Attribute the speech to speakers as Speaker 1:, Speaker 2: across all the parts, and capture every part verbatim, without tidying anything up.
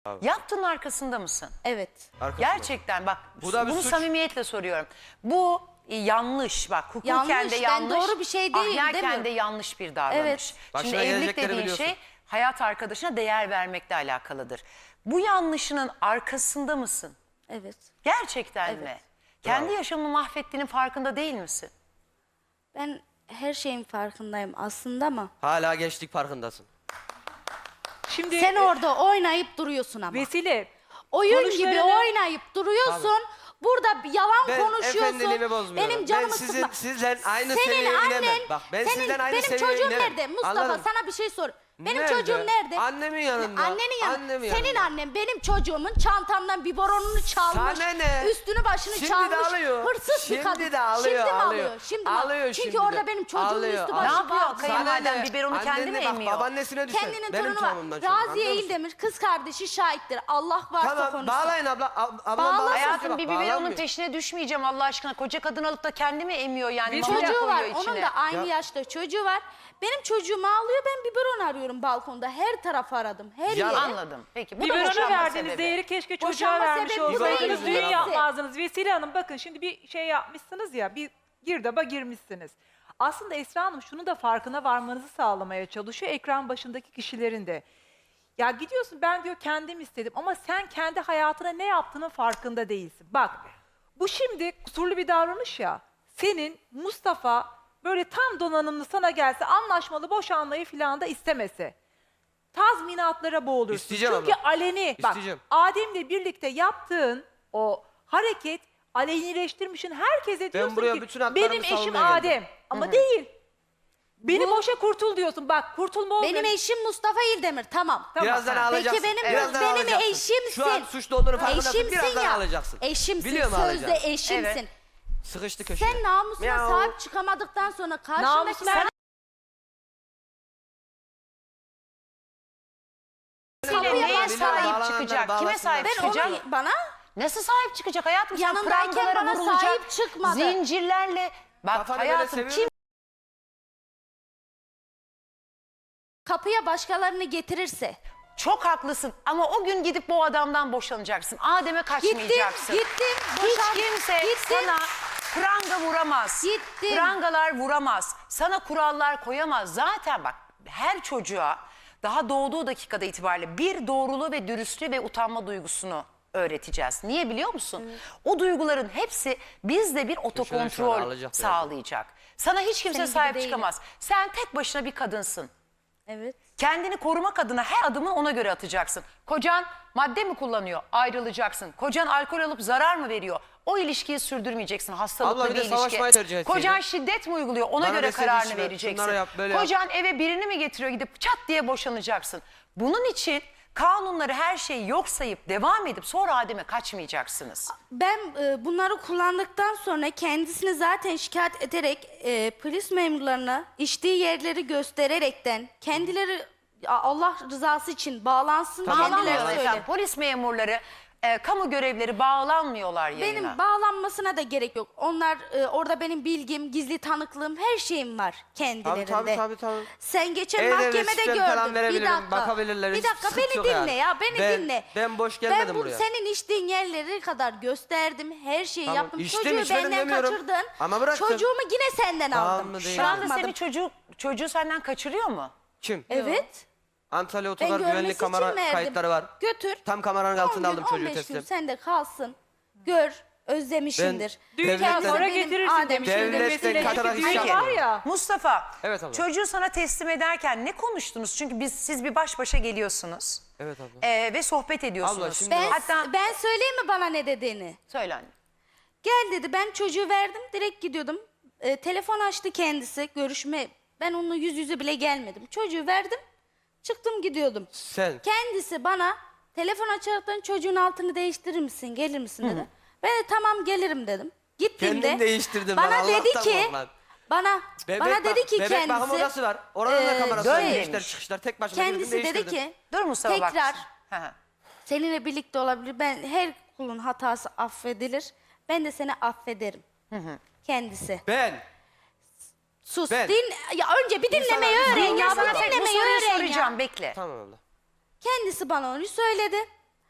Speaker 1: Abi.
Speaker 2: Yaptığın arkasında mısın?
Speaker 3: Evet.
Speaker 1: Arkasında.
Speaker 2: Gerçekten bak
Speaker 1: Bu da bir
Speaker 2: bunu
Speaker 1: suç.
Speaker 2: samimiyetle soruyorum. Bu e, yanlış bak hukuken
Speaker 3: Yanlış,
Speaker 2: de
Speaker 3: ben
Speaker 2: yanlış.
Speaker 3: doğru bir şey değil,
Speaker 2: ahlaken
Speaker 3: demiyorum.
Speaker 2: de yanlış bir davranış.
Speaker 3: Evet.
Speaker 2: Şimdi
Speaker 1: Başına
Speaker 2: evlilik
Speaker 1: gelecekleri
Speaker 2: dediğin
Speaker 1: biliyorsun.
Speaker 2: şey hayat arkadaşına değer vermekle alakalıdır. Bu yanlışının arkasında mısın?
Speaker 3: Evet.
Speaker 2: Gerçekten
Speaker 3: Evet.
Speaker 2: mi? Kendi
Speaker 1: Bravo.
Speaker 2: yaşamını mahvettiğinin farkında değil misin?
Speaker 3: Ben her şeyin farkındayım aslında ama
Speaker 1: Hala gençlik farkındasın.
Speaker 4: Şimdi
Speaker 3: sen orada oynayıp duruyorsun ama.
Speaker 4: Vesile
Speaker 3: Oyun gibi
Speaker 4: konuşlarını-
Speaker 3: oynayıp duruyorsun. Burada bir yalan
Speaker 1: Ben
Speaker 3: konuşuyorsun.
Speaker 1: efendiliğimi bozmuyorum.
Speaker 3: Benim canımı
Speaker 1: Ben sizin-
Speaker 3: sıkma.
Speaker 1: sizden aynı
Speaker 3: senin
Speaker 1: seviyeye
Speaker 3: annen,
Speaker 1: inemem. Bak, ben
Speaker 3: senin,
Speaker 1: sizden aynı
Speaker 3: benim
Speaker 1: seviyeye
Speaker 3: çocuğum
Speaker 1: inemem.
Speaker 3: nerede? Mustafa
Speaker 1: Anladın?
Speaker 3: sana bir şey sor. Benim
Speaker 1: Nerede?
Speaker 3: çocuğum nerede?
Speaker 1: Annemin yanında.
Speaker 3: Annenin yanında.
Speaker 1: Annemin
Speaker 3: Senin
Speaker 1: yanında.
Speaker 3: annen benim çocuğumun çantamdan biberonunu çalmış.
Speaker 1: Sana ne?
Speaker 3: Üstünü başını
Speaker 1: Şimdi
Speaker 3: çalmış.
Speaker 1: de alıyor.
Speaker 3: Hırsız
Speaker 1: Şimdi
Speaker 3: bir kadın.
Speaker 1: de alıyor,
Speaker 3: Şimdi mi
Speaker 1: alıyor.
Speaker 3: alıyor? Şimdi mi
Speaker 1: Alıyor
Speaker 3: Çünkü
Speaker 1: şimdi de.
Speaker 3: orada benim çocuğumun
Speaker 1: Alıyor,
Speaker 3: üstü
Speaker 1: alıyor.
Speaker 3: başı
Speaker 2: Ne yapıyor
Speaker 3: bağlı.
Speaker 2: kayınvaliden?
Speaker 1: Sana ne?
Speaker 2: biberonu kendi
Speaker 1: Annenle
Speaker 2: mi
Speaker 1: bak,
Speaker 2: emiyor?
Speaker 1: babaannesine düşer.
Speaker 3: Kendinin
Speaker 1: Benim
Speaker 3: torunu var.
Speaker 1: torunumdan çocuğum, anlıyor
Speaker 3: Raziye
Speaker 1: musun?
Speaker 3: İldemir kız kardeşi şahittir. Allah varsa
Speaker 1: Tamam
Speaker 3: konuşsun.
Speaker 1: bağlayın abla. Ab- Ablam
Speaker 3: Bağlasın.
Speaker 1: bağlasın.
Speaker 2: Hayatım
Speaker 1: Bak,
Speaker 2: bir biberonun
Speaker 1: bağlanmıyor.
Speaker 2: peşine düşmeyeceğim Allah aşkına. Koca kadın alıp da kendi mi emiyor yani?
Speaker 4: Bir
Speaker 2: Mama mı
Speaker 3: Çocuğu var.
Speaker 2: koyuyor içine?
Speaker 3: Onun da aynı
Speaker 1: Ya-
Speaker 3: yaşta çocuğu var. Benim çocuğumu ağlıyor. Ben biberon arıyorum balkonda. Her tarafı aradım. Her
Speaker 1: Ya-
Speaker 3: yere.
Speaker 2: Anladım. Peki bu da
Speaker 4: biberona
Speaker 2: boşanma
Speaker 4: verdiğiniz
Speaker 2: sebebi.
Speaker 4: değeri keşke çocuğa
Speaker 3: Boşanma
Speaker 4: vermiş
Speaker 3: sebebi bu
Speaker 4: olsaydınız.
Speaker 1: değil.
Speaker 4: Düğün
Speaker 1: Hepsi.
Speaker 4: yapmazdınız. Vesile Hanım bakın şimdi bir şey yapmışsınız ya, bir girdaba girmişsiniz. Aslında Esra Hanım şunu da farkına varmanızı sağlamaya çalışıyor ekran başındaki kişilerin de. Ya gidiyorsun ben diyor kendim istedim ama sen kendi hayatına ne yaptığının farkında değilsin. Bak bu şimdi kusurlu bir davranış ya. Senin Mustafa böyle tam donanımlı sana gelse anlaşmalı boşanmayı filan da istemese. Tazminatlara boğulursun.
Speaker 1: İsteyeceğim
Speaker 4: Çünkü
Speaker 1: abla.
Speaker 4: aleni bak
Speaker 1: İsteyeceğim.
Speaker 4: Adem'le birlikte yaptığın o hareket alenileştirmişsin. Herkese diyorsun
Speaker 1: buraya
Speaker 4: ki
Speaker 1: bütün haklarımı
Speaker 4: benim eşim
Speaker 1: savunmaya geldim."
Speaker 4: Adem. Ama değil. Beni
Speaker 3: Bu-
Speaker 4: boşa kurtul diyorsun. Bak kurtulma olmuyor.
Speaker 3: Benim eşim Mustafa İldemir. Tamam.
Speaker 4: Tamam.
Speaker 1: Birazdan
Speaker 4: Ha.
Speaker 1: alacaksın.
Speaker 3: Peki benim
Speaker 1: Birazdan
Speaker 3: benim
Speaker 1: alacaksın.
Speaker 3: eşimsin.
Speaker 1: Şu an suçlu olduğunu farkındasın.
Speaker 3: Eşimsin
Speaker 1: Birazdan
Speaker 3: ya.
Speaker 1: alacaksın.
Speaker 3: Eşimsin.
Speaker 1: Biliyorum
Speaker 3: Sözde
Speaker 1: alacaksın.
Speaker 3: eşimsin.
Speaker 2: Evet.
Speaker 1: Sıkıştı köşeye.
Speaker 3: Sen namusuna
Speaker 1: Miau.
Speaker 3: sahip çıkamadıktan sonra karşındakiler
Speaker 4: Namusuna-
Speaker 2: Vesile
Speaker 3: Kapıya
Speaker 2: neye
Speaker 3: başla-
Speaker 2: sahip
Speaker 1: Bağlananlar
Speaker 2: çıkacak? Kime
Speaker 1: bağlasınlar.
Speaker 2: sahip
Speaker 3: ben
Speaker 2: çıkacak?
Speaker 3: onu bana
Speaker 2: Nasıl sahip çıkacak hayatım? Sen
Speaker 3: Yanındayken
Speaker 2: prangalara
Speaker 3: bana
Speaker 2: vurulacak,
Speaker 3: sahip çıkmadı.
Speaker 2: zincirlerle. Bak
Speaker 1: Kafanı böyle
Speaker 2: hayatım
Speaker 1: seviyorum.
Speaker 2: kim
Speaker 3: kapıya başkalarını getirirse
Speaker 2: çok haklısın ama o gün gidip bu adamdan boşanacaksın. Adem'e kaçmayacaksın.
Speaker 3: gittim,
Speaker 2: Hiç
Speaker 3: boşan-
Speaker 2: kimse
Speaker 3: gittim.
Speaker 2: sana pranga vuramaz.
Speaker 3: Gittim.
Speaker 2: Prangalar vuramaz. Sana kurallar koyamaz. Zaten bak her çocuğa daha doğduğu dakikada itibariyle bir doğruluğu ve dürüstlüğü ve utanma duygusunu öğreteceğiz. Niye biliyor musun? O duyguların hepsi bizde bir
Speaker 1: şöyle
Speaker 2: otokontrol
Speaker 1: alacak
Speaker 2: sağlayacak. Sana hiç kimse
Speaker 3: Senin gibi
Speaker 2: sahip
Speaker 3: değilim.
Speaker 2: çıkamaz. Sen tek başına bir kadınsın.
Speaker 3: evet.
Speaker 2: Kendini korumak adına her adımı ona göre atacaksın. Kocan madde mi kullanıyor? Ayrılacaksın. Kocan alkol alıp zarar mı veriyor? O ilişkiyi sürdürmeyeceksin. Hastalıklı
Speaker 1: Abla bir
Speaker 2: bir
Speaker 1: de savaşmayı
Speaker 2: ilişki.
Speaker 1: tercih etseydin.
Speaker 2: Kocan şiddet mi uyguluyor? Ona
Speaker 1: Bana
Speaker 2: göre
Speaker 1: deseydin
Speaker 2: kararını
Speaker 1: şunları-
Speaker 2: vereceksin.
Speaker 1: şunları yap, böyle yap.
Speaker 2: Kocan eve birini mi getiriyor? Gidip çat diye boşanacaksın. Bunun için kanunları her şeyi yok sayıp devam edip sonra Adem'e kaçmayacaksınız.
Speaker 3: Ben e, bunları kullandıktan sonra kendisini zaten şikayet ederek e, polis memurlarına içtiği yerleri göstererekten kendileri a- Allah rızası için bağlansın
Speaker 1: Tamam,
Speaker 3: kendileri
Speaker 2: Bağlanmıyorlar
Speaker 1: söyle.
Speaker 2: efendim.
Speaker 3: söyle.
Speaker 2: Polis memurları, e, kamu görevleri bağlanmıyorlar yayına.
Speaker 3: Benim bağlanmasına da gerek yok. Onlar e, orada benim bilgim, gizli tanıklığım, her şeyim var kendilerinde.
Speaker 1: Tabii, tabii, tabii, tabii.
Speaker 3: Sen geçen
Speaker 1: E-Devlet
Speaker 3: mahkemede
Speaker 1: sistemi
Speaker 3: gördün.
Speaker 1: falan
Speaker 3: Bir
Speaker 1: verebilirim,
Speaker 3: dakika.
Speaker 1: bakabilirler,
Speaker 3: Bir
Speaker 1: hiç
Speaker 3: dakika
Speaker 1: sıkıntı
Speaker 3: beni
Speaker 1: yok
Speaker 3: dinle
Speaker 1: yani.
Speaker 3: ya, beni
Speaker 1: Ben-
Speaker 3: dinle.
Speaker 1: ben boş gelmedim
Speaker 3: Ben bu,
Speaker 1: buraya.
Speaker 3: senin içtiğin yerleri kadar gösterdim. Her şeyi
Speaker 1: Tamam,
Speaker 3: yaptım.
Speaker 1: içtim,
Speaker 3: Çocuğu
Speaker 1: içmedim
Speaker 3: benden
Speaker 1: demiyorum.
Speaker 3: kaçırdın.
Speaker 1: Ama bıraktım.
Speaker 3: Çocuğumu yine senden
Speaker 1: Tamam
Speaker 3: aldım.
Speaker 1: mı değil
Speaker 2: Şu anda
Speaker 3: Bırakmadım.
Speaker 2: seni çocuk, çocuğu senden kaçırıyor mu?
Speaker 1: Kim?
Speaker 3: Evet.
Speaker 1: Antalya
Speaker 3: Ben
Speaker 1: Otogar
Speaker 3: görmesi
Speaker 1: güvenlik
Speaker 3: için
Speaker 1: kamera
Speaker 3: verdim.
Speaker 1: kayıtları var.
Speaker 3: Götür.
Speaker 1: Tam kameranın
Speaker 3: on
Speaker 1: altında
Speaker 3: gün,
Speaker 1: aldım çocuğu
Speaker 3: on beş gün
Speaker 1: teslim.
Speaker 3: sende kalsın. Gör. Özlemişindir.
Speaker 1: Ben-
Speaker 4: Düğünden
Speaker 1: Devletten-
Speaker 4: sonra
Speaker 3: Benim
Speaker 4: getirirsin
Speaker 3: Adem
Speaker 4: demiş.
Speaker 3: şimdi
Speaker 1: Devletten
Speaker 4: Vesile.
Speaker 1: katarak
Speaker 4: Çünkü düğün
Speaker 1: inşallah.
Speaker 4: var ya.
Speaker 2: Mustafa,
Speaker 1: Evet abla.
Speaker 2: çocuğu sana teslim ederken ne konuştunuz? Çünkü biz siz bir baş başa geliyorsunuz.
Speaker 1: Evet abla.
Speaker 2: Ee, ve sohbet ediyorsunuz.
Speaker 1: Abla, şimdi
Speaker 3: Ben,
Speaker 2: Hatta
Speaker 3: ben söyleyeyim mi bana ne dediğini?
Speaker 2: söyle anne.
Speaker 3: Gel dedi, ben çocuğu verdim, direkt gidiyordum. Ee, telefon açtı kendisi, görüşme. Ben onunla yüz yüze bile gelmedim. Çocuğu verdim, çıktım gidiyordum.
Speaker 1: Sen.
Speaker 3: Kendisi bana telefon açaraktan çocuğun altını değiştirir misin, gelir misin dedi. Ben de tamam gelirim dedim. Gittiğimde
Speaker 1: Kendin değiştirdin
Speaker 3: bana
Speaker 1: lan,
Speaker 3: dedi
Speaker 1: Allah'tan
Speaker 3: ki
Speaker 1: kork lan.
Speaker 3: bana
Speaker 1: Bebek
Speaker 3: bana
Speaker 1: bak-
Speaker 3: dedi ki
Speaker 1: bebek
Speaker 3: kendisi
Speaker 1: bakım odası var. Oranın da
Speaker 3: e,
Speaker 1: kamerası
Speaker 2: dön
Speaker 1: var.
Speaker 2: demiş.
Speaker 1: Girişler çıkışlar tek başına girdim,
Speaker 3: kendisi dedi
Speaker 1: değiştirdim.
Speaker 3: ki
Speaker 2: Dur Mustafa bak.
Speaker 3: tekrar
Speaker 2: Hı hı.
Speaker 3: seninle birlikte olabilir. Ben her kulun hatası affedilir. Ben de seni affederim. Kendisi.
Speaker 1: Ben.
Speaker 3: Sus.
Speaker 1: Ben-
Speaker 3: Din, ya önce bir dinlemeyi
Speaker 1: İnsanlar-
Speaker 3: öğren
Speaker 2: Ben
Speaker 3: ya.
Speaker 2: sana
Speaker 3: Bir
Speaker 2: tek bu
Speaker 3: dinlemeyi
Speaker 2: soruyu
Speaker 3: öğren
Speaker 2: soracağım
Speaker 3: ya.
Speaker 2: bekle.
Speaker 1: Tamam abla.
Speaker 3: Kendisi bana onu söyledi.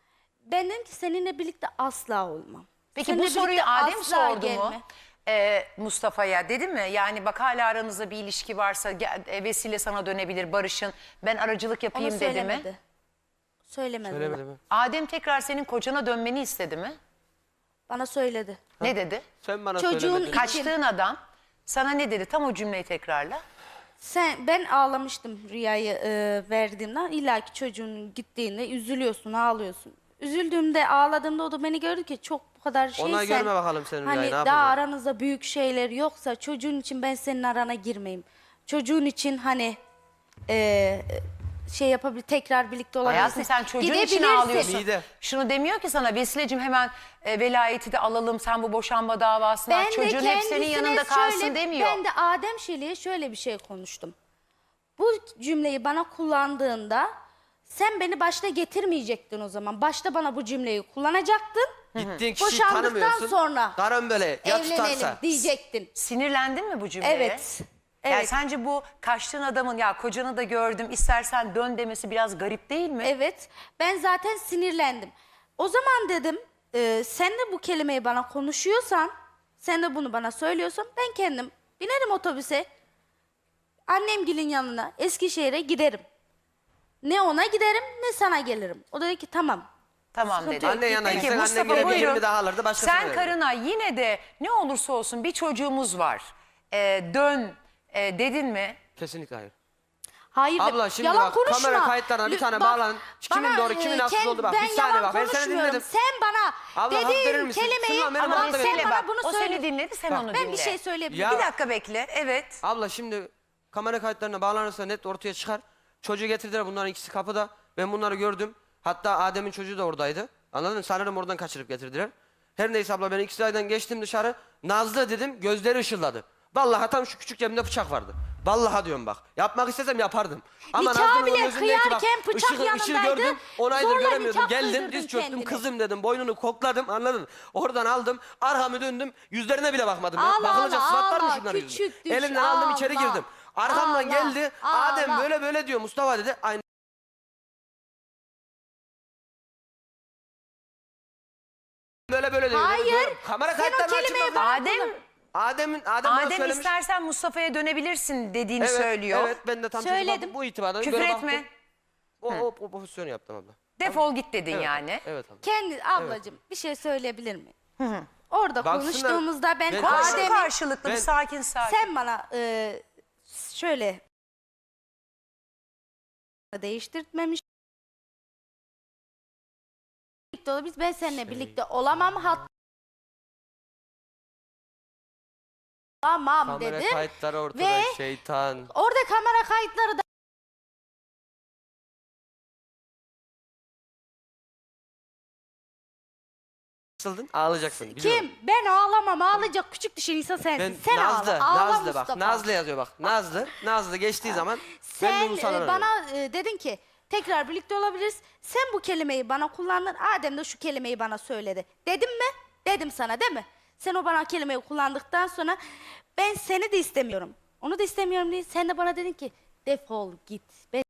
Speaker 3: Ben dedim ki seninle birlikte asla olmam.
Speaker 2: Peki
Speaker 3: Seninle
Speaker 2: bu soruyu
Speaker 3: birlikte
Speaker 2: Adem
Speaker 3: asla
Speaker 2: sordu mu
Speaker 3: gelme.
Speaker 2: Ee, Mustafa'ya, dedi mi? Yani bak hala aranızda bir ilişki varsa gel- e, Vesile sana dönebilir, barışın. Ben aracılık
Speaker 3: Onu
Speaker 2: yapayım dedi
Speaker 3: söylemedi.
Speaker 2: mi?
Speaker 3: Söylemedi.
Speaker 1: Söylemedi mi?
Speaker 2: Adem tekrar senin kocana dönmeni istedi mi?
Speaker 3: Bana söyledi.
Speaker 2: Ne dedi?
Speaker 1: Sen bana
Speaker 3: Çocuğun
Speaker 1: söylemedin.
Speaker 3: için-
Speaker 2: Kaçtığın adam sana ne dedi? Tam o cümleyi tekrarla.
Speaker 3: Sen, ben ağlamıştım Rüya'yı e, verdiğimden. İlla ki çocuğun gittiğinde üzülüyorsun, ağlıyorsun. Üzüldüğümde, ağladığımda o da beni gördü ki çok bu kadar şeysen.
Speaker 1: Ona görme bakalım senin
Speaker 3: Hani
Speaker 1: Rüya'yı, ne
Speaker 3: daha
Speaker 1: yapacak?
Speaker 3: aranızda büyük şeyler yoksa çocuğun için ben senin arana girmeyeyim. Çocuğun için hani e, şey yapabilir, tekrar birlikte olabilirsin.
Speaker 2: Hayatım sen çocuğun için
Speaker 3: Gidebilirsin.
Speaker 2: ağlıyorsun.
Speaker 1: Mide.
Speaker 2: Şunu demiyor ki sana, Vesile'cim hemen e, velayeti de alalım, sen bu boşanma davasına
Speaker 3: Ben
Speaker 2: aç.
Speaker 3: de
Speaker 2: Çocuğun hep senin
Speaker 3: kendisine
Speaker 2: yanında kalsın
Speaker 3: şöyle-
Speaker 2: demiyor.
Speaker 3: Ben de Adem Şeli'ye şöyle bir şey konuştum. Bu cümleyi bana kullandığında sen beni başta getirmeyecektin o zaman. Başta bana bu cümleyi kullanacaktın.
Speaker 1: Gittiğin kişiyi
Speaker 3: Boşandıktan
Speaker 1: tanımıyorsun.
Speaker 3: sonra
Speaker 1: Karın böyle ya
Speaker 3: evlenelim
Speaker 1: tutarsa.
Speaker 3: diyecektin.
Speaker 2: Sinirlendin mi bu cümleye?
Speaker 3: Evet.
Speaker 2: Yani
Speaker 3: Evet.
Speaker 2: sence bu kaçtığın adamın ya kocanı da gördüm istersen dön demesi biraz garip değil mi?
Speaker 3: Evet. Ben zaten sinirlendim. O zaman dedim e, sen de bu kelimeyi bana konuşuyorsan, sen de bunu bana söylüyorsan ben kendim binerim otobüse. Annemgilin yanına Eskişehir'e giderim. Ne ona giderim ne sana gelirim. O da dedi ki tamam.
Speaker 2: Tamam
Speaker 3: Sıkıntı
Speaker 2: dedi.
Speaker 3: yok.
Speaker 1: Anne yanına
Speaker 2: Peki
Speaker 1: gitsen
Speaker 2: Mustafa
Speaker 1: annen gene bir
Speaker 2: buyurun.
Speaker 1: yirmi daha alırdı, başkasına
Speaker 2: Sen
Speaker 1: verirdi.
Speaker 2: karına yine de ne olursa olsun bir çocuğumuz var. Ee, dön e, dedin mi?
Speaker 1: Kesinlikle hayır.
Speaker 3: Hayır.
Speaker 1: Abla şimdi
Speaker 3: yalan
Speaker 1: bak,
Speaker 3: konuşma.
Speaker 1: kamera kayıtlarına bir
Speaker 3: Lü-
Speaker 1: tane
Speaker 3: bak,
Speaker 1: bağlan. Kimin
Speaker 3: bana,
Speaker 1: doğru, kimin
Speaker 3: e,
Speaker 1: haksız
Speaker 3: kend-
Speaker 1: oldu bak.
Speaker 3: Ben
Speaker 1: Bir saniye
Speaker 3: yalan
Speaker 1: bak, ben sana
Speaker 3: konuşmuyorum.
Speaker 1: dinledim.
Speaker 3: Sen bana
Speaker 1: Abla, hak verir
Speaker 3: dediğin
Speaker 1: misin?
Speaker 3: kelimeyi
Speaker 1: Şundan benim
Speaker 3: ama
Speaker 1: hakkımda
Speaker 3: sen
Speaker 1: verin.
Speaker 3: bana
Speaker 2: bak,
Speaker 3: bunu
Speaker 2: o
Speaker 3: söyle.
Speaker 2: seni dinledi sen onu dinle.
Speaker 3: Ben bir şey söyleyebilirim.
Speaker 1: Ya-
Speaker 2: Bir dakika bekle, evet.
Speaker 1: Abla şimdi kamera kayıtlarına bağlanırsa net ortaya çıkar. Çocuğu getirdiler, bunların ikisi kapıda. Ben bunları gördüm. Hatta Adem'in çocuğu da oradaydı. Anladın mı? Sanırım oradan kaçırıp getirdiler. Her neyse abla, ben ikisi aydan geçtim dışarı. Nazlı dedim, gözleri ışıldadı. Vallahi tam şu küçük cebimde bıçak vardı. Vallahi diyorum bak. Yapmak istesem yapardım. Ama
Speaker 3: Nikah
Speaker 1: Nazlı'nın
Speaker 3: bile
Speaker 1: onun gözündeki bak,
Speaker 3: kıyarken bıçak
Speaker 1: ışığı, ışığı
Speaker 3: yanındaydı.
Speaker 1: gördüm. On aydır
Speaker 3: Zorla
Speaker 1: göremiyordum.
Speaker 3: nikah
Speaker 1: Geldim,
Speaker 3: kıydırdın
Speaker 1: diz çöktüm.
Speaker 3: kendine.
Speaker 1: Kızım dedim, boynunu kokladım, anladın mı? Oradan aldım, arkamı döndüm. Yüzlerine bile bakmadım. ya.
Speaker 3: Ağla,
Speaker 1: Bakılacak
Speaker 3: ağla,
Speaker 1: sıfat var mı
Speaker 3: ağla,
Speaker 1: şunların yüzünde?
Speaker 3: küçük düş,
Speaker 1: Elimden aldım, içeri
Speaker 3: ağla.
Speaker 1: girdim. Arkamdan
Speaker 3: Ağla,
Speaker 1: geldi.
Speaker 3: ağla.
Speaker 1: Adem böyle böyle diyor, Mustafa dedi. Aynı. Böyle böyle diyor.
Speaker 3: Hayır.
Speaker 1: Diyorum, kamera
Speaker 3: Sen o
Speaker 1: kayıtlarını
Speaker 3: kelimeyi
Speaker 1: açın.
Speaker 3: bana-
Speaker 2: Adem,
Speaker 1: Adem'in Adem, bana
Speaker 2: Adem
Speaker 1: söylemiş.
Speaker 2: istersen Mustafa'ya dönebilirsin dediğini
Speaker 1: Evet,
Speaker 2: söylüyor.
Speaker 1: Evet, ben de tam
Speaker 3: Söyledim.
Speaker 1: Söyledim. bu itibardan
Speaker 2: Küfür
Speaker 1: böyle
Speaker 2: etme.
Speaker 1: baktım. O, o, o pozisyonu yaptım abla.
Speaker 2: Defol git dedin
Speaker 1: Evet,
Speaker 2: yani.
Speaker 1: Evet abla.
Speaker 3: Kendi ablacığım bir şey söyleyebilir miyim? Orada
Speaker 1: Baksınlar,
Speaker 3: konuştuğumuzda ben,
Speaker 1: ben-
Speaker 2: Konuşun
Speaker 3: Adem'i
Speaker 2: karşılıklı bir
Speaker 1: Ben-
Speaker 2: sakin sakin.
Speaker 3: sen bana e, şöyle değiştirtmemiş. Birlikte olabiliriz. Ben seninle birlikte olamam. Hatta olamam
Speaker 1: Kamera
Speaker 3: dedim.
Speaker 1: kayıtları ortada,
Speaker 3: Ve-
Speaker 1: şeytan.
Speaker 3: Orada kamera kayıtları da
Speaker 1: Nasıldın? Ağlayacaksın. biliyorum.
Speaker 3: kim? Ben ağlamam. Ağlayacak küçük düşen insan sensin.
Speaker 1: Ben
Speaker 3: Sen
Speaker 1: Nazlı,
Speaker 3: ağla. Ağla
Speaker 1: Nazlı bak.
Speaker 3: Mustafa.
Speaker 1: Nazlı yazıyor bak. Nazlı, Nazlı geçtiği zaman ben
Speaker 3: Sen
Speaker 1: de bu sana
Speaker 3: e, bana e, dedin ki tekrar birlikte olabiliriz. Sen bu kelimeyi bana kullandın. Adem de şu kelimeyi bana söyledi. Dedim mi? Dedim sana değil mi? Sen o bana kelimeyi kullandıktan sonra ben seni de istemiyorum. Onu da istemiyorum diye sen de bana dedin ki defol git. Ben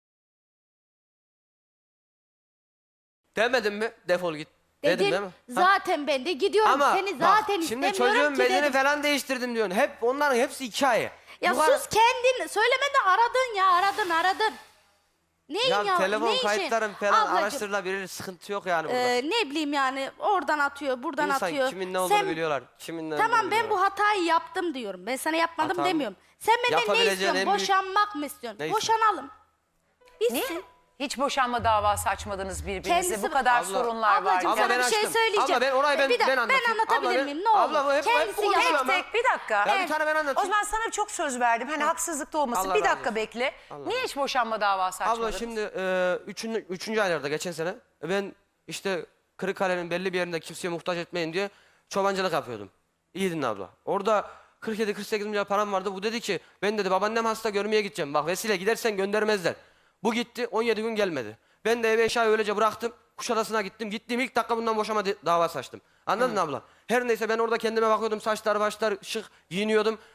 Speaker 1: Demedim mi? Defol git. Dedim
Speaker 3: dedin,
Speaker 1: değil mi? Ha?
Speaker 3: zaten ben de gidiyorum.
Speaker 1: Ama
Speaker 3: Seni
Speaker 1: bak,
Speaker 3: zaten
Speaker 1: şimdi
Speaker 3: istemiyorum
Speaker 1: çocuğun
Speaker 3: ki
Speaker 1: bedeni
Speaker 3: dedim.
Speaker 1: falan değiştirdim diyorsun. Hep onların hepsi hikaye.
Speaker 3: Ya
Speaker 1: Bu kadar-
Speaker 3: sus kendin söylemeden aradın ya aradın aradın. Neyin
Speaker 1: Ya,
Speaker 3: ya?
Speaker 1: telefon
Speaker 3: ne işin?
Speaker 1: kayıtların falan
Speaker 3: Ablacığım,
Speaker 1: araştırılabilir, sıkıntı yok yani burada.
Speaker 3: Ee, ne bileyim yani oradan atıyor, buradan
Speaker 1: İnsan
Speaker 3: atıyor.
Speaker 1: kimin ne olduğunu
Speaker 3: Sen-
Speaker 1: biliyorlar. Kimin ne
Speaker 3: Tamam
Speaker 1: olduğunu
Speaker 3: ben
Speaker 1: biliyorlar.
Speaker 3: bu hatayı yaptım diyorum. Ben sana yapmadım
Speaker 1: Hata mı?
Speaker 3: demiyorum. Sen benden ne
Speaker 1: Yapabileceğin
Speaker 3: istiyorsun?
Speaker 1: en büyük-
Speaker 3: Boşanmak mı istiyorsun?
Speaker 1: Neyse.
Speaker 3: Boşanalım. Bitsin.
Speaker 2: Niye? Hiç boşanma davası açmadınız birbirinize.
Speaker 3: Kendisi-
Speaker 2: Bu kadar
Speaker 1: Abla-
Speaker 2: sorunlar var.
Speaker 3: Ablacığım
Speaker 1: Abla
Speaker 3: sana
Speaker 1: ben
Speaker 3: bir şey
Speaker 1: açtım.
Speaker 3: söyleyeceğim.
Speaker 1: Abla ben orayı ben-
Speaker 3: bir dakika,
Speaker 1: ben anlatayım.
Speaker 3: anlatabilir
Speaker 1: Abla ben-
Speaker 3: miyim? Ne olur?
Speaker 1: abla bu hep- hep
Speaker 3: Kendisi
Speaker 1: bu konuşma
Speaker 3: yalan.
Speaker 1: ama-
Speaker 2: Tek bir dakika.
Speaker 1: Ya bir tane ben anlatayım.
Speaker 2: O zaman sana çok söz verdim. Hani haksızlık da olmasın.
Speaker 1: Allah
Speaker 2: bir
Speaker 1: razı
Speaker 2: dakika
Speaker 1: olsun.
Speaker 2: bekle.
Speaker 1: Allah
Speaker 2: Niye hiç boşanma davası açmadınız?
Speaker 1: Abla şimdi e, üçüncü, üçüncü aylarda geçen sene ben işte Kırıkkale'nin belli bir yerinde kimseye muhtaç etmeyin diye çobancılık yapıyordum. İyi dinle abla. Orada kırk yedi kırk sekiz milyar param vardı. Bu dedi ki ben dedi babaannem hasta görmeye gideceğim. Bak Vesile gidersen göndermezler. Bu gitti on yedi gün gelmedi. Ben de eve eşyayı öylece bıraktım. Kuşadası'na gittim. Gittiğim ilk dakika bundan boşama di- davası açtım. Anladın mı abla? Her neyse ben orada kendime bakıyordum. Saçlar başlar şık giyiniyordum.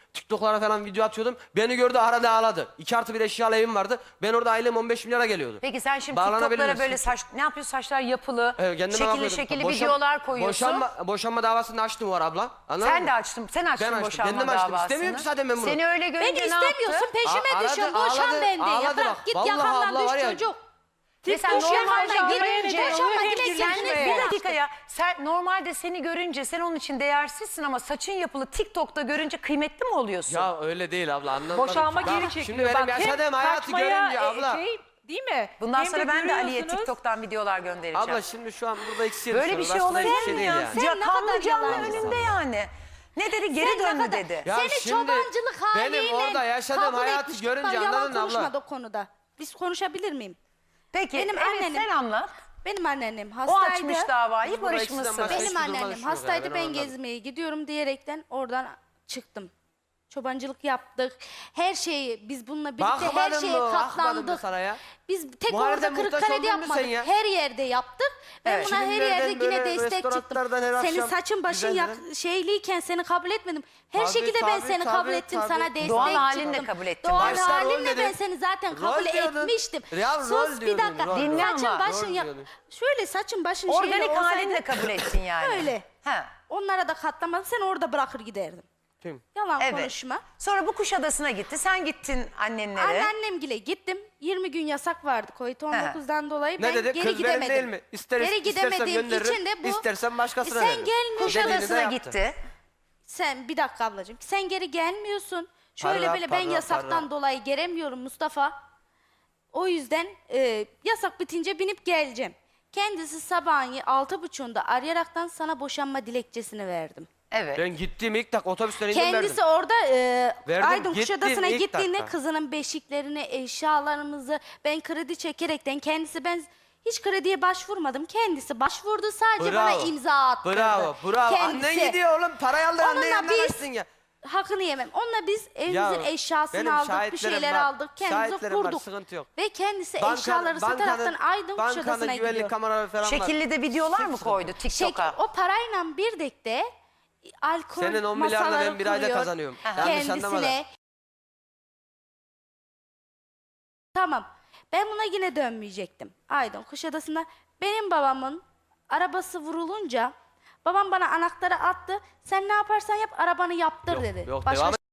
Speaker 1: TikTok'lara falan video atıyordum. Beni gördü aradı ağladı. iki artı bir eşyalı evim vardı. Ben orada ailem on beş milyara geliyordu.
Speaker 2: Peki sen şimdi
Speaker 1: Bağlanabiliriz.
Speaker 2: TikTok'lara böyle saç ne yapıyorsun? Saçlar yapılı,
Speaker 1: Evet, kendime
Speaker 2: şekilli
Speaker 1: bakıyordum.
Speaker 2: şekilli
Speaker 1: Boşan-
Speaker 2: videolar koyuyorsun.
Speaker 1: Boşanma, boşanma davasını açtım var abla. Anladın
Speaker 2: Sen
Speaker 1: mı?
Speaker 2: de açtın. Sen açtın
Speaker 1: Ben açtım,
Speaker 2: boşanma
Speaker 1: kendim açtım.
Speaker 2: davasını.
Speaker 1: İstemiyorum ki zaten ben bunu.
Speaker 2: Seni öyle görünce
Speaker 3: Beni
Speaker 2: ne yaptı?
Speaker 3: istemiyorsun peşime
Speaker 1: A-
Speaker 3: düşün.
Speaker 1: aradı,
Speaker 3: Boşan
Speaker 1: ağladı,
Speaker 3: benden ya.
Speaker 1: ağladı
Speaker 3: Bırak
Speaker 1: bak.
Speaker 3: git
Speaker 1: Vallahi
Speaker 3: yakandan
Speaker 1: abla
Speaker 3: düş
Speaker 1: var ya.
Speaker 3: çocuk.
Speaker 2: Mesela
Speaker 3: TikTok
Speaker 2: normalde
Speaker 3: yakandan
Speaker 2: görünce,
Speaker 3: git. Boşanma
Speaker 4: hem
Speaker 3: dilekçesini
Speaker 4: görüşmeye.
Speaker 2: bir
Speaker 3: ver.
Speaker 2: dakika ya. Sen normalde seni görünce sen onun için değersizsin ama saçın yapılı TikTok'ta görünce kıymetli mi oluyorsun?
Speaker 1: Ya öyle değil abla anlamadım.
Speaker 4: Boşanma
Speaker 1: Bak,
Speaker 4: geri çekiliyor.
Speaker 1: Şimdi benim
Speaker 4: Bak, hem
Speaker 1: yaşadığım hayatı
Speaker 4: kaçmaya,
Speaker 1: görünce
Speaker 4: e,
Speaker 1: abla.
Speaker 4: Şey, değil mi?
Speaker 2: Bundan
Speaker 4: Hem
Speaker 2: sonra ben de Ali'ye
Speaker 4: görüyorsunuz.
Speaker 2: TikTok'tan videolar göndereceğim.
Speaker 1: Abla şimdi şu an burada ikisi
Speaker 2: Böyle bir şey olabilir
Speaker 1: şey
Speaker 2: mi
Speaker 1: değil
Speaker 2: ya?
Speaker 1: yani.
Speaker 3: Sen
Speaker 2: Ya
Speaker 3: ne kadar
Speaker 2: kanlı canlı
Speaker 3: yalancısın.
Speaker 2: önünde yani. Ne dedi? Geri
Speaker 3: Sen ne
Speaker 2: döndü
Speaker 3: kadar-
Speaker 2: dedi.
Speaker 1: Ya
Speaker 3: Seni
Speaker 1: şimdi
Speaker 3: çobancılık haliyle
Speaker 1: benim orada yaşadığım
Speaker 3: kabul
Speaker 1: hayatı
Speaker 3: etmiş.
Speaker 1: görünce
Speaker 3: Bak, yalan
Speaker 1: anladın mı abla?
Speaker 3: konuşmadı o konuda. Biz konuşabilir miyim?
Speaker 2: Peki
Speaker 3: Benim
Speaker 2: evet,
Speaker 3: annenim-
Speaker 2: sen anlat.
Speaker 3: Benim anneannem
Speaker 2: O
Speaker 3: hastaydı.
Speaker 2: açmış davayı
Speaker 1: Biz burada
Speaker 2: barışmışsın.
Speaker 1: ikisinden başka-
Speaker 3: Benim
Speaker 1: hiçbir duruma
Speaker 3: anneannem
Speaker 1: düşmüyoruz
Speaker 3: hastaydı,
Speaker 1: yani,
Speaker 3: ben
Speaker 1: ben anladım.
Speaker 3: gezmeye gidiyorum diyerekten oradan çıktım. Çobancılık yaptık. Her şeyi biz bununla birlikte her
Speaker 1: Bakmadın
Speaker 3: şeye
Speaker 1: mı? Bakmadın mı
Speaker 3: katlandık.
Speaker 1: sana ya?
Speaker 3: Biz tek
Speaker 1: Mahallede
Speaker 3: orada
Speaker 1: muhtaç
Speaker 3: Kırıkkale'de
Speaker 1: oldun mu sen
Speaker 3: yapmadık.
Speaker 1: ya?
Speaker 3: Her yerde yaptık. Ben
Speaker 2: Evet.
Speaker 3: buna her
Speaker 1: Filmlerden
Speaker 3: yerde yine
Speaker 1: böyle
Speaker 3: destek çıktım.
Speaker 1: restoranlardan her
Speaker 3: Senin
Speaker 1: akşam
Speaker 3: saçın başın yak
Speaker 1: güzeldi.
Speaker 3: şeyliyken seni kabul etmedim. Her
Speaker 1: Tabii,
Speaker 3: şekilde ben
Speaker 1: tabii,
Speaker 3: seni
Speaker 1: tabii,
Speaker 3: kabul ettim.
Speaker 1: tabii.
Speaker 3: Sana destek
Speaker 2: Doğal
Speaker 3: çıktım.
Speaker 2: halinle kabul ettin.
Speaker 3: Doğal
Speaker 1: Başta rol
Speaker 3: halimle ben
Speaker 1: dedin.
Speaker 3: seni zaten
Speaker 1: Rol
Speaker 3: kabul
Speaker 1: diyordun.
Speaker 3: etmiştim.
Speaker 1: Ya,
Speaker 3: Sus
Speaker 1: rol
Speaker 3: bir
Speaker 1: diyordun,
Speaker 3: dakika.
Speaker 1: rol.
Speaker 2: Dinle
Speaker 3: Saçın
Speaker 2: ama.
Speaker 3: başın
Speaker 1: Rol
Speaker 3: yak.
Speaker 1: diyordun.
Speaker 3: Şöyle saçın başın şeyle
Speaker 2: Organik
Speaker 3: olsaydı.
Speaker 2: halinle kabul ettin yani.
Speaker 3: Öyle.
Speaker 2: Ha.
Speaker 3: Onlara da katlamadım. Seni orada bırakır giderdim.
Speaker 1: Kim?
Speaker 3: Yalan
Speaker 2: Evet.
Speaker 3: konuşma.
Speaker 2: Sonra bu Kuşadası'na gitti. Sen gittin annenlere.
Speaker 3: Anneannemgile gittim. yirmi gün yasak vardı covid on dokuzdan dolayı.
Speaker 1: Ne
Speaker 3: Ben
Speaker 1: dedi?
Speaker 3: geri
Speaker 1: Kız benim
Speaker 3: gidemedim.
Speaker 1: değil mi? İster,
Speaker 3: geri
Speaker 1: istersem
Speaker 3: gidemediğim
Speaker 1: gönderirim,
Speaker 3: için de bu.
Speaker 1: istersen başkasına
Speaker 3: Sen
Speaker 1: veririm.
Speaker 3: gelmiyorsun.
Speaker 1: Dediğini de
Speaker 2: Kuşadası'na
Speaker 1: yaptı.
Speaker 2: gitti.
Speaker 3: Sen bir dakika ablacığım. Sen geri gelmiyorsun. Şöyle
Speaker 1: Para,
Speaker 3: böyle ben
Speaker 1: para,
Speaker 3: yasaktan
Speaker 1: para.
Speaker 3: dolayı gelemiyorum Mustafa. O yüzden e, yasak bitince binip geleceğim. Kendisi sabahın altı buçuğunda arayaraktan sana boşanma dilekçesini verdim.
Speaker 2: Evet.
Speaker 1: Ben gittiğim ilk dakika otobüsten indim
Speaker 3: Kendisi
Speaker 1: verdim.
Speaker 3: orada e,
Speaker 1: Verdim,
Speaker 3: Aydın
Speaker 1: gittim
Speaker 3: Kuşadası'na
Speaker 1: ilk
Speaker 3: gittiğinde
Speaker 1: dakika.
Speaker 3: kızının beşiklerini, eşyalarımızı ben kredi çekerekten kendisi ben hiç krediye başvurmadım. Kendisi başvurdu sadece bana imza attırdı.
Speaker 1: Bravo, bravo.
Speaker 3: Kendisi.
Speaker 1: Annen gidiyor oğlum. Parayı aldı, annen
Speaker 3: Onunla
Speaker 1: yanına
Speaker 3: biz
Speaker 1: kaçsın ya.
Speaker 3: hakkını yemem. Onunla biz evimizin
Speaker 1: Ya,
Speaker 3: eşyasını
Speaker 1: benim
Speaker 3: aldık, bir
Speaker 1: şahitlerim
Speaker 3: şeyler
Speaker 1: var.
Speaker 3: aldık, kendimizi
Speaker 1: Şahitlerim var,
Speaker 3: kurduk.
Speaker 1: sıkıntı yok.
Speaker 3: Ve kendisi
Speaker 1: Bankanın-
Speaker 3: eşyaları sataraktan Aydın
Speaker 1: bankanın
Speaker 3: Kuşadası'na
Speaker 1: güvenlik
Speaker 3: gidiyor.
Speaker 1: kameraları falan var.
Speaker 2: Şekilli de videolar mı koydu
Speaker 3: Şey,
Speaker 2: TikTok'a?
Speaker 3: o parayla bir de alkol
Speaker 1: Senin on milyarla
Speaker 3: masaları
Speaker 1: ben bir ayda
Speaker 3: kuruyor.
Speaker 1: kazanıyorum.
Speaker 2: Aha.
Speaker 1: Yanlış anlama da.
Speaker 3: Kendisine. Tamam. Ben buna yine dönmeyecektim. Aydın Kuşadası'nda benim babamın arabası vurulunca babam bana anahtarı attı. Sen ne yaparsan yap arabanı yaptır
Speaker 1: Yok,
Speaker 3: dedi.
Speaker 1: yok,
Speaker 3: Başka
Speaker 1: devam et.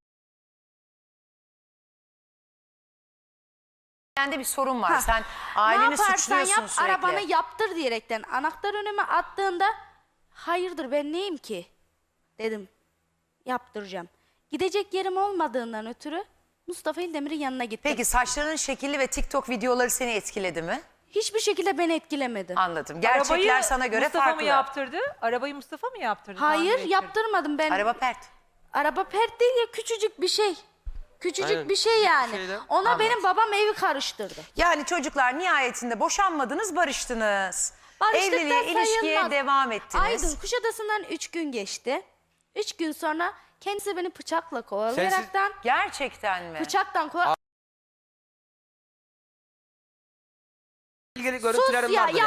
Speaker 2: Sende bir sorun var.
Speaker 3: Ha.
Speaker 2: Sen
Speaker 3: ne
Speaker 2: aileni
Speaker 3: yaparsan
Speaker 2: suçluyorsun
Speaker 3: yap
Speaker 2: sürekli.
Speaker 3: arabanı yaptır diyerekten anahtar önüme attığında hayırdır ben neyim ki dedim yaptıracağım. Gidecek yerim olmadığından ötürü Mustafa İldemir'in yanına gittim.
Speaker 2: Peki saçlarının şekilli ve TikTok videoları seni etkiledi mi?
Speaker 3: Hiçbir şekilde beni etkilemedi.
Speaker 2: Anladım. Gerçekler
Speaker 4: Arabayı
Speaker 2: sana göre
Speaker 4: Mustafa
Speaker 2: farklı.
Speaker 4: mı yaptırdı? Arabayı Mustafa mı yaptırdı?
Speaker 3: Hayır
Speaker 4: Tamir ettirdi.
Speaker 3: yaptırmadım ben.
Speaker 2: Araba pert.
Speaker 3: Araba pert değil ya küçücük bir şey. Küçücük
Speaker 1: Aynen.
Speaker 3: bir şey yani.
Speaker 1: Bir şeyde-
Speaker 3: Ona
Speaker 2: Anladım.
Speaker 3: benim babam evi karıştırdı.
Speaker 2: Yani çocuklar nihayetinde boşanmadınız, barıştınız.
Speaker 3: Barıştık da
Speaker 2: Evliliğe, ilişkiye
Speaker 3: sayılmaz.
Speaker 2: devam ettiniz.
Speaker 3: Aydın Kuşadası'ndan üç gün geçti. Üç gün sonra kendisi beni bıçakla kovalayaraktan
Speaker 2: Gerçekten mi?
Speaker 3: bıçaktan kovala...
Speaker 1: İlgili
Speaker 3: Sus
Speaker 1: görüntülerim
Speaker 3: ya,
Speaker 1: vardır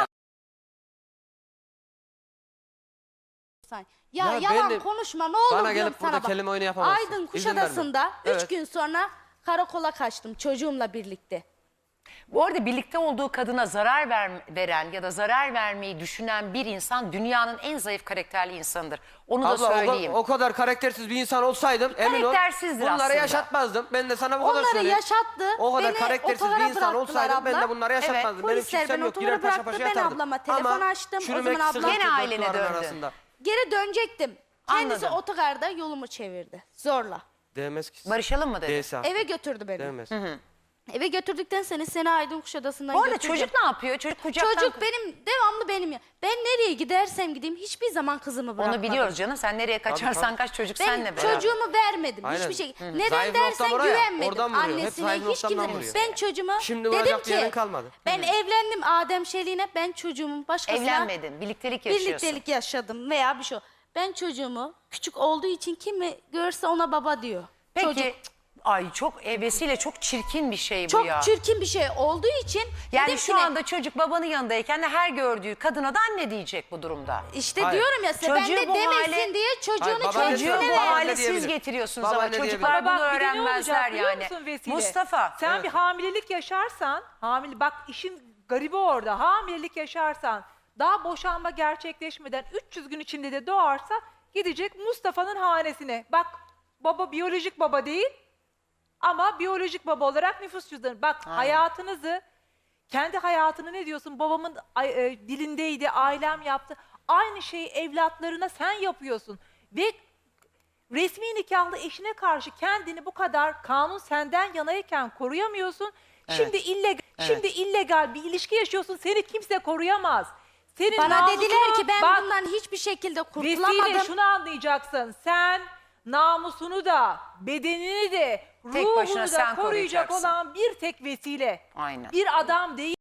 Speaker 3: ya.
Speaker 1: ya.
Speaker 3: Ya,
Speaker 1: Ya
Speaker 3: yalan
Speaker 1: benim-
Speaker 3: konuşma ne olur
Speaker 1: Bana
Speaker 3: diyorum
Speaker 1: gelip
Speaker 3: sana
Speaker 1: burada
Speaker 3: bak.
Speaker 1: kelime oyunu yapamazsın.
Speaker 3: Aydın
Speaker 1: İzin
Speaker 3: Kuşadası'nda
Speaker 1: vermem.
Speaker 3: üç
Speaker 1: Evet.
Speaker 3: gün sonra karakola kaçtım çocuğumla birlikte.
Speaker 2: Bu arada birlikte olduğu kadına zarar ver, veren ya da zarar vermeyi düşünen bir insan dünyanın en zayıf karakterli insanıdır. Onu da
Speaker 1: Abla o,
Speaker 2: söyleyeyim.
Speaker 1: o kadar karaktersiz bir insan olsaydım emin ol
Speaker 2: Karaktersizdir
Speaker 1: bunları
Speaker 2: aslında.
Speaker 1: yaşatmazdım. Ben de sana bu kadar
Speaker 3: Onları
Speaker 1: söyleyeyim.
Speaker 3: yaşattı.
Speaker 1: O kadar
Speaker 3: Beni
Speaker 1: karaktersiz
Speaker 3: otogara
Speaker 1: bir insan
Speaker 3: bıraktılar
Speaker 1: olsaydım ben de
Speaker 3: abla.
Speaker 1: bunları yaşatmazdım. Benim
Speaker 3: Polisler
Speaker 1: kimsem
Speaker 3: beni
Speaker 1: yok. Girer
Speaker 3: otogara
Speaker 1: paşa
Speaker 3: bıraktı.
Speaker 1: paşa
Speaker 3: Ben
Speaker 1: yatardım.
Speaker 3: ablama telefon
Speaker 1: Ama
Speaker 3: açtım. O
Speaker 1: çürümek
Speaker 3: zaman ablam-
Speaker 1: sıkıntı
Speaker 2: Gene
Speaker 1: dört
Speaker 2: ailene
Speaker 1: duvarın
Speaker 2: döndün.
Speaker 1: arasında.
Speaker 3: Geri dönecektim. Kendisi
Speaker 2: Anladım.
Speaker 3: otogarda yolumu çevirdi. Zorla.
Speaker 1: Değmez ki.
Speaker 2: Barışalım mı dedi?
Speaker 1: Değilse.
Speaker 3: Eve götürdü beni.
Speaker 1: Değmez.
Speaker 3: Eve götürdükten sonra seni Aydın Kuşadası'ndan
Speaker 2: Bu arada
Speaker 3: götüreceğim.
Speaker 2: çocuk ne yapıyor? Çocuk kucaktan...
Speaker 3: Çocuk benim, devamlı benim ya. Ben nereye gidersem gideyim hiçbir zaman kızımı bırakmadım.
Speaker 2: Onu biliyoruz canım. Sen nereye kaçarsan
Speaker 1: tabii.
Speaker 2: kaç çocuk
Speaker 3: Ben
Speaker 2: senle beraber.
Speaker 3: çocuğumu vermedim
Speaker 1: Aynen.
Speaker 3: hiçbir şey.
Speaker 1: Hı hı.
Speaker 3: Neden
Speaker 1: Zayıf nokta
Speaker 3: dersen
Speaker 1: buraya,
Speaker 3: güvenmedim
Speaker 1: oradan vuruyor. Hep
Speaker 3: annesine
Speaker 1: zayıf
Speaker 3: hiç
Speaker 1: noktamdan
Speaker 3: kimse.
Speaker 1: vuruyor.
Speaker 3: Ben çocuğuma
Speaker 1: Şimdi
Speaker 3: dedim
Speaker 1: vuracak
Speaker 3: ki
Speaker 1: yerin kalmadı.
Speaker 3: ben evlendim Adem Şeli'ne ben çocuğumun başkasına
Speaker 2: Evlenmedin. Birliktelik yaşıyorsun.
Speaker 3: birliktelik yaşadım veya bir şey. Ben çocuğumu küçük olduğu için kimi görse ona baba diyor.
Speaker 2: Peki
Speaker 3: Çocuk.
Speaker 2: Ay çok e, vesile çok çirkin bir şey bu
Speaker 3: Çok
Speaker 2: ya.
Speaker 3: çirkin bir şey olduğu için
Speaker 2: Yani
Speaker 3: dedim
Speaker 2: şu
Speaker 3: ki ne-
Speaker 2: anda çocuk babanın yanındayken de her gördüğü kadına da anne diyecek bu durumda.
Speaker 3: işte
Speaker 1: Hayır.
Speaker 3: diyorum ya size ben
Speaker 2: Çocuğu
Speaker 3: de
Speaker 2: bu
Speaker 3: demesin
Speaker 2: hale-
Speaker 3: diye çocuğunu
Speaker 1: Hayır, baba
Speaker 3: çocuğuna
Speaker 1: ne
Speaker 2: Çocuğu
Speaker 1: diyor?
Speaker 2: bu
Speaker 3: ver.
Speaker 1: Baba
Speaker 2: hale
Speaker 1: ne
Speaker 2: siz
Speaker 1: diyebilir?
Speaker 2: getiriyorsunuz
Speaker 1: Baba
Speaker 2: ama
Speaker 1: ne diyebilir?
Speaker 2: çocuklar bunu
Speaker 4: Bak bir de ne
Speaker 2: öğrenmezler
Speaker 4: olacak biliyor
Speaker 2: yani.
Speaker 4: musun Vesile?
Speaker 2: Mustafa.
Speaker 4: Sen
Speaker 1: Evet.
Speaker 4: bir hamilelik yaşarsan, hamile bak işin garibi orada. Hamilelik yaşarsan, daha boşanma gerçekleşmeden üç yüz gün içinde de doğarsa gidecek Mustafa'nın hanesine. Bak baba biyolojik baba değil ama biyolojik baba olarak nüfus cüzdanı. Bak hayatınızı, kendi hayatını ne diyorsun? Babamın ay- e, dilindeydi, ailem yaptı. Aynı şeyi evlatlarına sen yapıyorsun. Ve resmi nikahlı eşine karşı kendini bu kadar kanun senden yanayken koruyamıyorsun. Şimdi illegal, şimdi illegal bir ilişki yaşıyorsun. Seni kimse koruyamaz. Senin
Speaker 3: Bana
Speaker 4: namusunu-
Speaker 3: dediler ki ben
Speaker 4: Bak,
Speaker 3: bundan hiçbir şekilde
Speaker 4: Vesile
Speaker 3: kurtulamadım.
Speaker 4: şunu anlayacaksın. Sen namusunu da, bedenini de,
Speaker 2: Tek
Speaker 4: ruhunu
Speaker 2: başına
Speaker 4: da
Speaker 2: sen
Speaker 4: koruyacak
Speaker 2: koruyacaksın.
Speaker 4: olan bir tek vesile.
Speaker 2: Aynen.
Speaker 4: Bir adam değil.